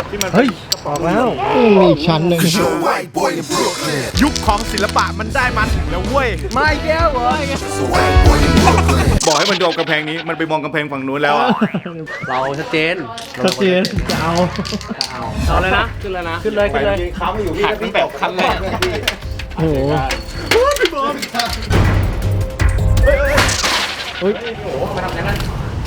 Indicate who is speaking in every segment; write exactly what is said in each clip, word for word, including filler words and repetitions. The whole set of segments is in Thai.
Speaker 1: ที่มัน
Speaker 2: เฮ้ยออกแล้วมีอีกชั้นหนึ่ง
Speaker 1: ยุคของศิลปะมันได้มาถึงแล้วเว้ย
Speaker 2: ไม่แก้วเหรอ
Speaker 1: บอกให้มันโดนกำแพงนี้มันไปมองกำแพงฝั่งนู้นแล้วอะ
Speaker 3: เราชัดเจน
Speaker 2: ชัดเจนจะเอา
Speaker 3: เอาเลยนะขึ้นเลยนะขึ้นเลยขึ้นเลย
Speaker 1: เขาไม่อยู่ที่พี่แบบคันแรก
Speaker 2: โอ้โหเฮ้ย
Speaker 3: มาทำอย่างนั้น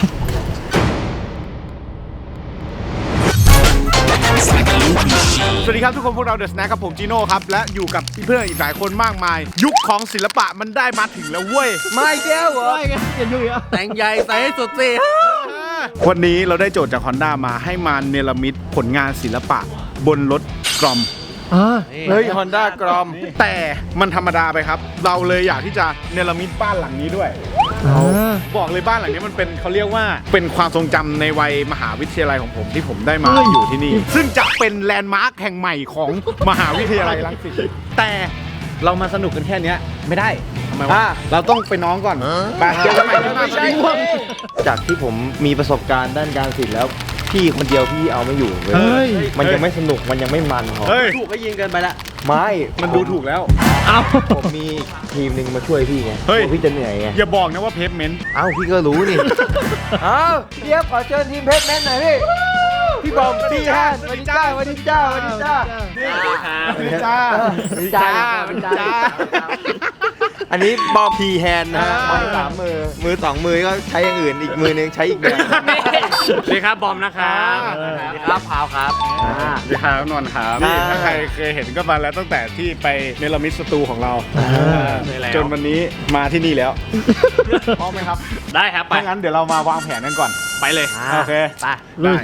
Speaker 1: สวัสดีครับทุกคนพวกเราเดอะสแน็คครับผมจีโน่ครับและอยู่กับเพื่อนอีกหลายคนมากมาย ยุคของศิลปะมันได้มาถึงแล้วเว้ย
Speaker 3: ไม่แก้วเหรอ
Speaker 2: ไม่ไงเห็นอยู่อ่ะ
Speaker 3: แต่งใหญ่ใส่ให้สุดสิ
Speaker 1: วันนี้เราได้โจทย์จาก Honda มาให้มาเนรมิตผลงานศิลปะบนรถกรอม
Speaker 2: อ่า
Speaker 1: เฮ้ย Honda กรอมแต่มันธรรมดาไปครับ เราเลยอยากที่จะเนรมิตบ้านหลังนี้ด้วย
Speaker 2: อ่า
Speaker 1: บอกเลยบ้านหลังนี้มันเป็นเขาเรียกว่าเป็นความทรงจำในวัยมหาวิทยาลัยของผมที่ผมได้มาอยู่ที่นี่ ซึ่งจะเป็นแลนด์มาร์คแห่งใหม่ของมหาวิทยาลัยรังสิตแต่เรามาสนุกกันแค่นี้ไม่ได้ทำไมวะเราต้องไปน้องก่อนไปเจอกันใหม่ที่หน้าไม่ใช่
Speaker 4: จากที่ผมมีประสบการณ์ด้านการศิลป์แล้วพี่คนเดียวพี่เอาไม่อยู่เลย
Speaker 2: เฮ้ย
Speaker 4: มันยังไม่สนุกมันยังไม่มันพอ
Speaker 1: เฮ้ย
Speaker 3: ถูกก็ยิงเกินไปละ
Speaker 4: ไม่
Speaker 1: มันดูถูกแล้ว
Speaker 2: เอา
Speaker 4: ผมมีทีมหนึ่งมาช่วยพี่ไง
Speaker 1: เฮ้ย
Speaker 4: กลัวพี่จะเหนื่อยไง
Speaker 1: อย่าบอกนะว่าเพฟเมนต์
Speaker 4: เอ้าพี่ก็รู้นี่ เอ้าเดี๋ยวขอเชิญทีมเพชรแมนหน่อยพี่พี่บอมพี่ฮันสวัสดีจ้าสวัสดีจ้าสวัสดีจ้า
Speaker 1: สวัสดีจ้าสวัสดีจ้าสวัสดีจ้า
Speaker 4: อันนี้บอมพีแฮนนะฮะมือสามมือมือสองมือก็ใช้อย่างอื่นอีกมือนึงใช้อีกแบบ
Speaker 3: สวัสดีครับบอมนะครับสวัสดีครับพาวครับ
Speaker 1: สวัสดีครับนนท์ครับนี่ถ้าใครเคยเห็นก็มาแล้วตั้งแต่ที่ไปเนรมิตสตูของเราจนวันนี้มาที่นี่แล้วพร้อมไหมครับ
Speaker 3: ได้ครับไป
Speaker 1: ถ้างั้นเดี๋ยวเรามาวางแผนกันก่อน
Speaker 3: ไปเลย
Speaker 1: โอเค
Speaker 3: ไป
Speaker 1: ได้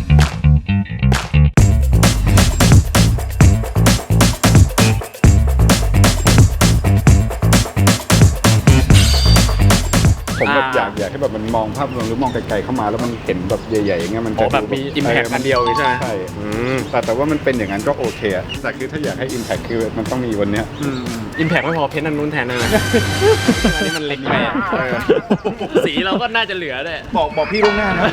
Speaker 1: ผมแบบอยากอยากให้แบบมันมองภาพรวมหรือมองไกลๆเข้ามาแล้วมันเห็นแบบใหญ่ๆอย่างเงี้ยมัน
Speaker 3: โอ้แบบมี impact อันเดียวใช่ไหม
Speaker 1: ใช่แต่แต่ว่ามันเป็นอย่างนั้นก็โอเคอะแต่คือถ้าอยากให้ impact คือมันต้องมีวันเนี้ย
Speaker 3: อิมแพกไม่พอเพ้นท์อันนู้นแทนได้ไหมอันนี้มันเล็กไปอะสีเราก็น่าจะเหลือด้วย
Speaker 1: บอกบอกพี่ล่วงหน้านะ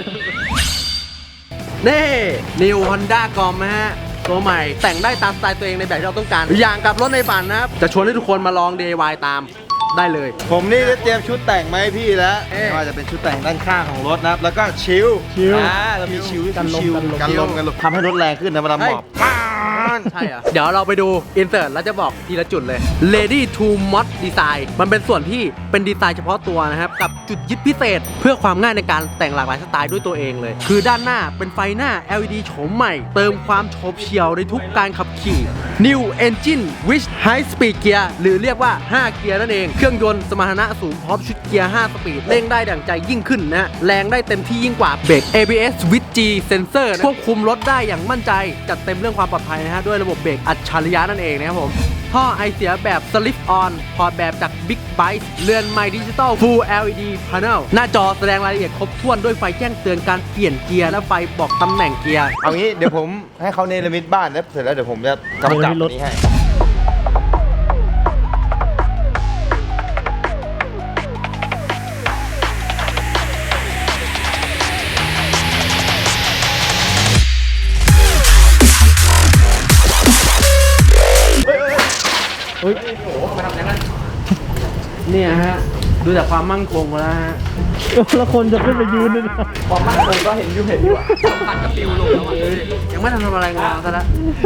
Speaker 3: นี่นิวฮอนด้ากอมนะฮะตัวใหม่แต่งได้ตามสไตล์ตัวเองในแบบที่เราต้องการอย่างกับรถในฝันนะครับจะชวนให้ทุกคนมาลอง ดี ไอ วาย ตามได้เลย
Speaker 4: ผมนี่ได้เตรียมชุดแต่งมาให้พี่แล้ว
Speaker 3: เอ๊ะ
Speaker 4: ไม่ว่าจะเป็นชุดแต่งด้านข้างของรถนะครับแล้วก็ชิล
Speaker 2: ชิล
Speaker 4: อ่าเรามีชิล
Speaker 2: กันลม
Speaker 4: ชิล
Speaker 2: กันลม
Speaker 4: กันลมกันลมทำให้รถแรงขึ้นนะเวลาหมอบ
Speaker 3: ใช่เหรอเดี๋ยวเราไปดูอินเสิร์ตแล้วจะบอกทีละจุดเลย Ready to Mod Design มันเป็นส่วนที่เป็นดีไซน์เฉพาะตัวนะครับ กับจุดยึดพิเศษ เพื่อความง่ายในการแต่งหลากหลายสไตล์ด้วยตัวเองเลย คือด้านหน้าเป็นไฟหน้า แอล อี ดี โฉมใหม่ เติมความโฉบเฉี่ยวในทุกการขับขี่ New Engine with High Speed Gear หรือเรียกว่า ห้า เกียร์นั่นเอง เครื่องยนต์สมรรถนะสูงพร้อมชุดเกียร์ ห้า สปีดเร่งได้ดั่งใจยิ่งขึ้นนะ แรงได้เต็มที่ยิ่งกว่าเบรก เอ บี เอส with G Sensor ควบคุมรถได้อย่างมั่นใจจัดเต็มเรื่องความปลอดภัยนะฮะด้วยระบบเบรกอัจฉริยะนั่นเองนะครับผมท่อไอเสียแบบ Slip On พอร์ตแบบจาก Big Byte เรือนไมค์ดิจิตอล Full แอล อี ดี Panel หน้าจอแสดงรายละเอียดครบถ้วนด้วยไฟแจ้งเตือนการเปลี่ยนเกียร์และไฟบอกตำแหน่งเกียร์
Speaker 4: เอางี้เดี๋ยวผมให้เขาเนรมิตบ้านแล้วเสร็จแล้วเดี๋ยวผมจะกำกับนี้ให้
Speaker 2: เฮ้ย
Speaker 3: เนี่ยฮะดูจากความมั่นคงแล้วฮะ
Speaker 2: แล้วคนจะขึ้นไปยืนเลยนะ
Speaker 3: ความมั่นคงก็เห็นอยู่เห็นอยู่อะปัดกระปิวลงแล้วอะยังไม่ทันทำอะไรงานซะแล้ว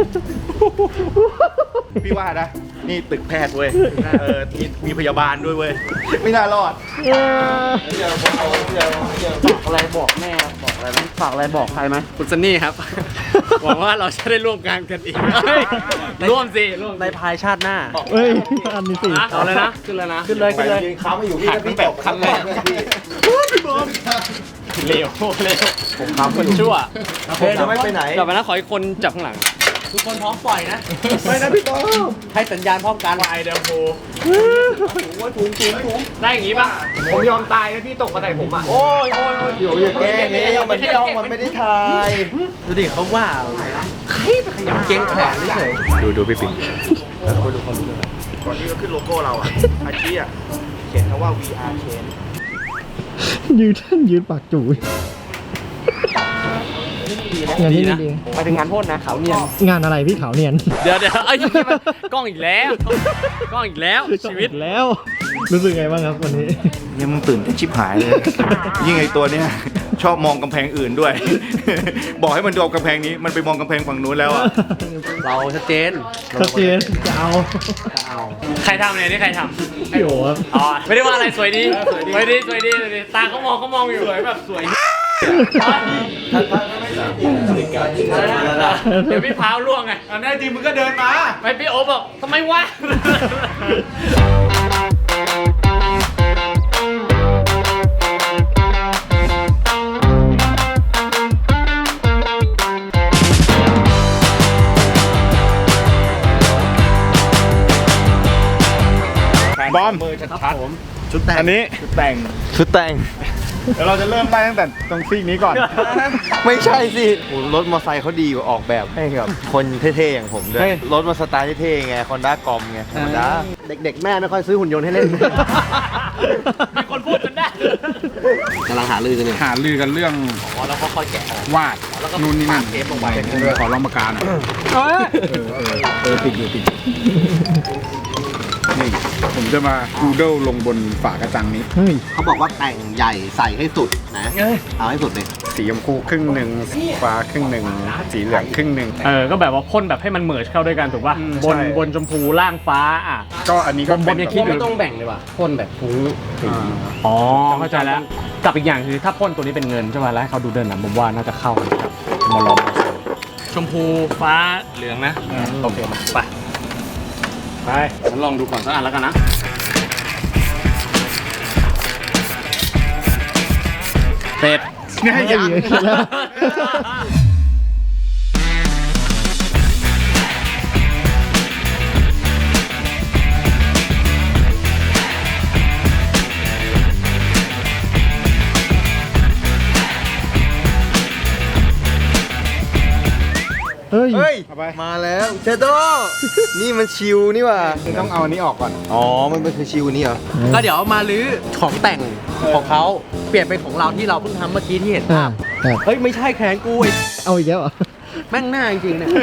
Speaker 1: พี่ว่านะนี่ตึกแพทย์เว้ยเออมีมีพยาบาลด้วยเว้ยไม่น่ารอด
Speaker 2: เออ
Speaker 3: ฝากอะไรบอกแม่บอกอะไรไหมฝากอะไรบอกใครไหมคุณซันนี่ครับ หวังว่าเราจะได้ร่วมงานกันอีกร่วมสิร่วมในภายชาติหน้า
Speaker 2: เฮ้ย อันนี้สิ
Speaker 3: เอาเลยนะขึ้นเลยนะขึ้นเลยขึ้นเลย
Speaker 4: เขาไม่อยู่พี่ก็พี่แบบคันแรกพี่
Speaker 3: เร็วเร็วผมทำคนชั่ว
Speaker 4: ผมจะไม่ไปไหน
Speaker 3: กลับมานะขออีกคนจับข้างหลัง ทุกคนพร้อมปล่อยนะ
Speaker 4: ไม่นะพี่โต
Speaker 3: ให้สัญญาณพร้อมกันไอเดมโฟถุงจริงถุงได้อย่างงี้ป่ะผมยอมตายนะพี่ตกมาใส่ผมอ่ะ
Speaker 4: โอ้ยโอ้ยโอ้ยเดี๋ยวอย่าแกล้งนี่มันไม่ต้องมันไม่ได้ถ่าย
Speaker 3: ดูดิเขาว่าใครไปขยับเก่งแขนเฉย
Speaker 1: ดูดูพี่ปิง
Speaker 4: ก่อนที่จะขึ้นโลโก้เราอ่ะอาชีอ่ะเขียนคำว่า วี อาร์ Chain
Speaker 2: ยืนท่านยืนปากจู่
Speaker 3: ที่นี่ดีนะ
Speaker 2: งานที่นี่ดี
Speaker 3: ไปถึงงานพ่นนะขาวเนียน
Speaker 2: งานอะไรพี่ขาวเนียน
Speaker 3: เดี๋ยวเดี๋ยวไอ้ยนี่มันกล้องอีกแล้วกล้องอีกแล้วชีวิต
Speaker 2: แล้ว รู้สึกไงบ้างครับวันนี้
Speaker 1: ยังมึงตื่นเต้นชิบหายเลย ยิ่งไอตัวเนี้ยชอบมองกำแพงอื่นด้วย บอกให้มันดูกำแพงนี้มันไปมองกำแพงฝั่งนู้นแล้วอะ
Speaker 3: เราชัดเจน
Speaker 2: ชัดเจนจะเอา
Speaker 3: ใครทำเนี่ยนี่ใครทำ
Speaker 2: พี่โอ๋ครับ
Speaker 3: อ๋อไม่ได้ว่าอะไรสวยดีสวยดีสวยดีสวยดีตาเขามองเขามองอยู่สวยแบบสวยเดี๋ยวพี่พาวล่วงไง
Speaker 1: อันนี้จริงมึงก็เดินมา
Speaker 3: ไม่พี่โอ๊บบอกทำไมวะ
Speaker 1: บอม
Speaker 3: ครับผม
Speaker 1: ชุดแต่งอันนี้ชุดแต่ง
Speaker 4: ชุดแต่ง
Speaker 1: เดี๋ยวเราจะเริ่มไล่ตั้งแต่ตรงซีกนี้ก่อน
Speaker 4: ไม่ใช่สิโอ้รถมอเตอร์ไซค์เขาดีกว่าออกแบบให้กับคนเท่ๆอย่างผมด้วย รถมาสไตล์เท่ๆไงคอนด้ากอมไงธรรมดา
Speaker 3: เด็กๆแม่ไม่ค่อยซื้อหุ่นยนต์ให้เล่น มีคนพูดจนได้กำลังหาลือกันอยู่
Speaker 1: หาลือกันเรื่อง
Speaker 3: อ๋อแล้วก็ค่อยแกะ
Speaker 1: วาดนู่นนี่นั่น
Speaker 3: เทปลงไป
Speaker 1: ขอลองปากกาหน่อยเออเออเออติดอยู่ติดอยู่นี่ผมจะมาดูเดิลลงบนฝากระจังนี้
Speaker 2: เฮ้ย
Speaker 3: เขาบอกว่าแต่งใหญ่ใส่ให้สุดนะ เอาให้สุดเลย
Speaker 1: สีชมพูครึ่งหนึ่งสีฟ้าครึ่งหนึ่งสีเหลืองครึ่งหนึ่ง
Speaker 5: เออ ก็แบบว่าพ่นแบบให้มันเมิร์จเข้าด้วยกันถูกป่ะ
Speaker 1: อืม
Speaker 5: บน
Speaker 1: ใช่
Speaker 5: บนชมพูล่างฟ้าอ่ะ
Speaker 1: ก็อันนี้ก็
Speaker 5: ผมยังคิดอยู่
Speaker 3: ไม่ต้องแบ่งเลยว่ะพ่นแบบฟุ้ง
Speaker 1: อ่า
Speaker 5: อ๋อ เข้าใจแล้ว กับอีกอย่างคือถ้าพ่นตัวนี้เป็นเงินใช่ป่ะแล้วให้เขาดูเดินนะผมว่าน่าจะเข้ากันครับมาลองชมพูฟ้าเหลืองนะ โอเคมาไป ไปงั้นลองดูก่อนสักอันแล้วกันนะ เสร็จ
Speaker 1: เนี่ยยัง
Speaker 2: แล้ว เฮ้ย
Speaker 4: เฮ้ย
Speaker 1: เอาไป
Speaker 4: มาแล้วเชโดนี่มันชิวนี่หว่า
Speaker 1: ต้องเอาอันนี้ออกก่อน
Speaker 4: อ๋อ มันเป็นคือชิวนี่เหรอ
Speaker 3: ก็เดี๋ยวมาลื้อของแต่งของเขาเปลี่ยนเป็นของเราที่เราเพิ่งทำเมื่อกี้ที่เห็น
Speaker 2: อ่า
Speaker 3: ภาพ
Speaker 2: ครับ
Speaker 3: เฮ้ย ไม่ใช่แขนกูไอ้
Speaker 2: เอาอีกแล้วเหรอ
Speaker 3: แม่งหน้าจริงๆเนี่ย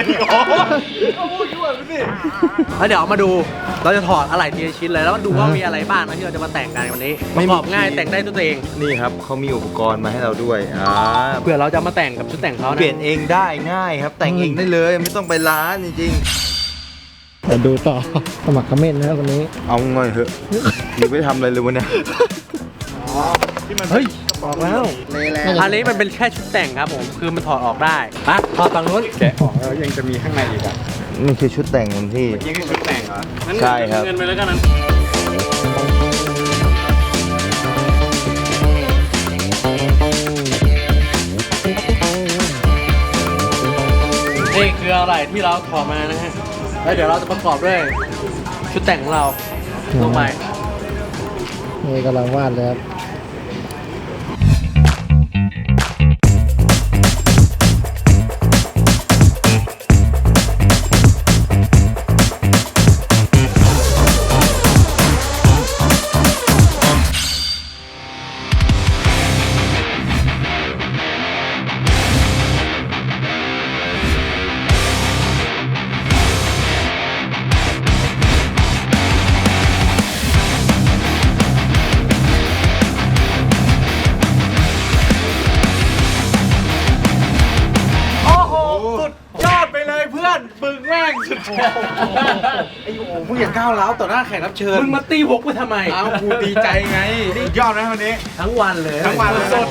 Speaker 3: แล้วเดี๋ยวมาดู เราจะถอดอะไรทีละชิ้นเลยแล้วมาดูว่ามีอะไรบ้างนะที่เราจะมาแต่งกันวันนี้ประกอบง่ายแต่งได้ด้วยตัวเอง
Speaker 4: นี่ครับเขามีอุปกรณ์มาให้เราด้วย อ่า
Speaker 3: เผื่อเราจะมาแต่งกับชุดแต่งเขานะ
Speaker 4: เปลี่ยนเองได้ง่ายครับ แต่งเองได้เลย ไม่ต้องไปร้านจริง
Speaker 2: เดี๋ยวดูต่อ สมัครคอมเมนต์นะครับวันนี้
Speaker 4: ๆ เอาหน่อยเถอะนี่ไม่ทำอะไรเลยวันเนี้ย
Speaker 3: เฮ้ย
Speaker 2: บอกแล้ว
Speaker 3: อันนี้มันเป็นแค่ชุดแต่งครับผมคือมันถอดออกได้อ่ะถอดฝั่งนู้น
Speaker 1: แกะออกแล้วยังจะมีข้างในอีกอ่ะ
Speaker 4: นี่คือชุดแต่งของที่
Speaker 1: นี่คือชุดแต่งเหรอ
Speaker 5: งั้น
Speaker 4: ใช่ครับ
Speaker 5: เงินไปแล้วกันนะ
Speaker 3: นี่คืออะไรที่เราถอดมานะฮะแล้วเดี๋ยวเราจะประกอบด้วยชุดแต่งของเราลงไป
Speaker 2: นี่กำลังวาดเลยครับ
Speaker 1: โอ้โห สุดยอดไปเลยเพื่อนปึงแม่งสุดไอ้โอ้มึงอย่าก้าวร้าวต่อหน้าแขกรับเชิญ
Speaker 3: มึงมาตีหกกูทำไม
Speaker 1: เอากูดีใจไงสุดยอดนะวันนี้
Speaker 3: ทั้งวันเลย
Speaker 1: ทั้งวันเลย
Speaker 3: สด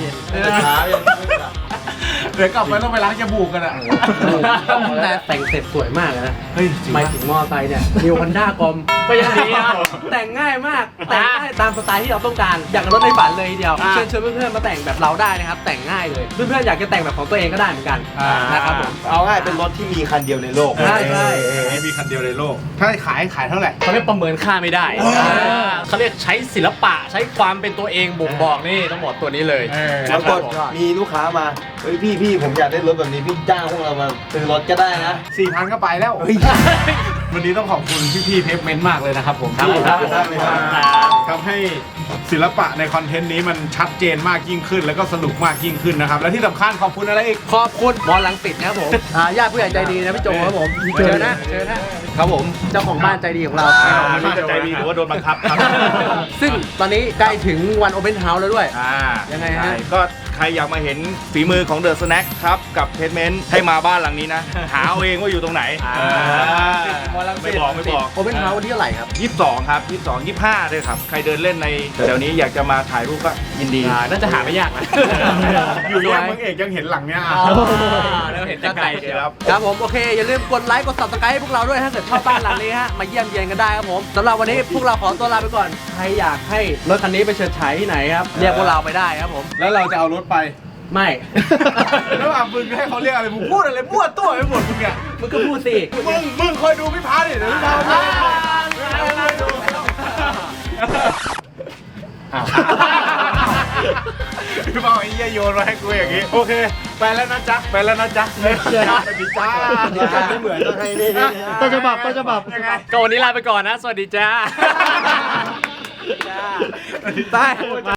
Speaker 1: เดี๋ยวกลับไปต้องไปล้างจมูกกันอ่ะ
Speaker 3: แต่แต่งเสร็จสวยมากเลยนะ เฮ้ยหมายถึงมอไซค์เนี่ยนิวคันด้ากอมก็ยังดีนะแต่งง่ายมาก แต่งได้ตามสไตล์ที่เราต้องการ อยากกับรถในฝันเลยทีเดียว เชิญชวนเพื่อนๆมาแต่งแบบเราได้นะครับ แต่งง่ายเลย เพื่อนๆอยากจะแต่งแบบของตัวเองก็ได้เหมือนกันนะครับผม
Speaker 4: เอาง่ายเป็นรถที่มีคันเดียวในโลก
Speaker 3: ใช่ใช่
Speaker 1: ไม่มีคันเดียวในโลก ถ้าขายขายเท่าไหร่
Speaker 5: เขาเรียกประเมินค่าไม่ได้อ่าเขาเรียกใช้ศิลปะใช้ความเป็นตัวเองบ่งบอกนี่ต้องบอกตัวนี้เลย
Speaker 1: เออ
Speaker 4: แล้วก็มีลูกค้ามา เฮ้ยพี่พี่ผมอยากได้รถแบบนี้พี่จ้างพวกเรามาซื้อรถก็ได้นะ
Speaker 1: สี่พันก็ไปแล้ว วันนี้ต้องขอบคุณพี่ๆเพฟเมนต์มากเลยนะครับผม
Speaker 3: ครับผม
Speaker 1: ครับ
Speaker 4: ได้เลยครับ
Speaker 3: ครับ
Speaker 1: ทำให้ศิลปะในคอนเทนต์นี้มันชัดเจนมากยิ่งขึ้น แล้วก็สนุกมากยิ่งขึ้นนะครับ และที่สำคัญขอบคุณอะไรอีก
Speaker 3: ขอบคุณมอลังสิตนะครับผมอ่าญาติผู้ใหญ่ใจดีนะพี่โจครับผมเชิญนะเชิญนะครับผมเจ้าของบ้านใจดีของเรา
Speaker 1: ไม่รู้จะใจดีหรือว่าโดนบังคับครับ
Speaker 3: ซึ่งตอนนี้ใกล้ถึงวันโอเ n นเฮาส์แล้วด้วย
Speaker 6: อ่า
Speaker 3: ยังไงฮะ
Speaker 6: ใช่ก็ใครอยากมาเห็นฝีมือของเดอะสแน็คครับ กับเพจเมนต์ให้มาบ้านหลังนี้นะ หาเอาเองว่าอยู่ตรงไหน ไม่บอกไม่บอก
Speaker 3: โอเ n นเฮาส์วันที่เท่าไหร่ครับ
Speaker 6: ยี่สิบสองครับยี่สิบสอง ยี่สิบห้าด้วยครับ ใครเดินเล่นในแถวๆนี้อยากจะมาถ่ายรูปก็ยินดี
Speaker 5: อ่าน่าจะหาไม่ยากนะ
Speaker 1: อยู่แยกเมืองเอกยังเห็นหลังเนี้ยอ่ะ
Speaker 5: แล้วเห็นแต่ไกลเชียว
Speaker 6: ครับ
Speaker 3: ครับผมโอเค อย่าลืมกดไลค์กด subscribe ให้พวกเราด้วยถ้าเกิดชอบบ้านหลังนี้ฮะมาเยี่ยมเยียนกันได้ครับผมสำหรับวันนี้พวกเราขอตัวลาไปก่อน ใครอยากให้รถคันนี้ไปเฉิดฉายที่ไหนครับ เรียกพวกเราไปได้ครับผม
Speaker 1: แล้วเราจะเอารถไป
Speaker 3: ไม่
Speaker 1: แล้วอ่ะมึงให้เขาเรียกอะไรมึงพูดอะไรมั่วตัวไปหมดมึงอ่ะ
Speaker 3: มึงก็พูดสิ
Speaker 1: มึงมึงคอยดูพี่พาดิเดี๋ยวพี่พาไปพี่พาไอ้เหี้ยโยนมาให้กูอย่างงี้โอเคไปแล้วนะจ๊ะไปแล้วนะจ๊ะสวัสดีจ้าสวัสดีจ้า
Speaker 2: ไม่เหมือนต้องให้นี่ต้นฉบับต้นฉบับ
Speaker 1: ยังไง
Speaker 5: ก็วันนี้ลาไปก่อนนะ สวัสดีจ้า
Speaker 3: ไป